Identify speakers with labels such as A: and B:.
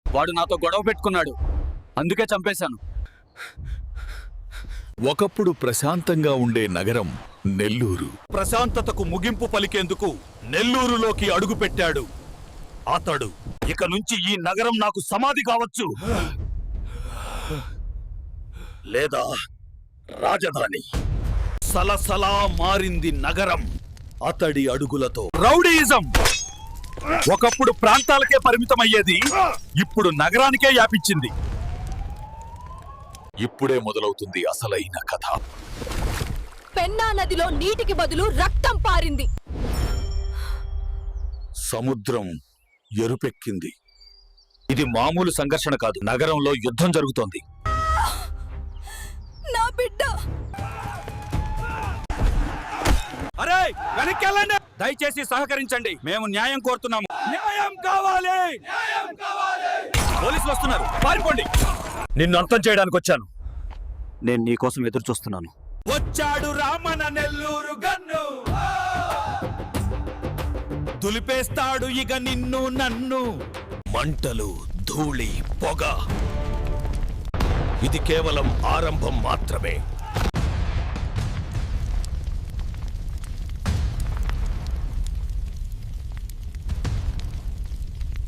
A: వాడు నాతో గొడవ పెట్టుకున్నాడు, అందుకే చంపేశాను.
B: ఒకప్పుడు ప్రశాంతంగా ఉండే నగరం నెల్లూరు.
C: ప్రశాంతతకు ముగింపు పలికేందుకు నెల్లూరులోకి అడుగుపెట్టాడు అతడు. ఇక నుంచి ఈ నగరం నాకు సమాధి కావచ్చు, లేదా రాజధాని. సలసలా మారింది నగరం అతడి అడుగులతో. రౌడీయిజం ఒకప్పుడు ప్రాంతాలకే పరిమితమయ్యేది, ఇప్పుడు నగరానికే వ్యాపించింది.
B: ఇప్పుడే మొదలవుతుంది అసలైన కథ.
D: పెన్నా నదిలో నీటికి బదులు రక్తం పారింది.
C: సముద్రం ఎరుపెక్కింది. ఇది మామూలు సంఘర్షణ కాదు, నగరంలో యుద్ధం జరుగుతోంది.
D: నా బిడ్డ!
C: అరే వెనక్కెళ్ళండి, దయచేసి సహకరించండి, మేము న్యాయం కోరుతున్నాము. న్యాయం కావాలి, పోలీసులు వస్తున్నారు, పారిపోండి. నిన్ను అంతం చేయడానికి వచ్చాను.
A: నేను నీకోసం ఎదురు చూస్తున్నాను.
C: వచ్చాడు రామన నెల్లూరు గన్ను, దులిపేస్తాడు ఇక నిన్ను నన్ను. మంటలు, ధూళి, పొగ, ఇది కేవలం ఆరంభం మాత్రమే.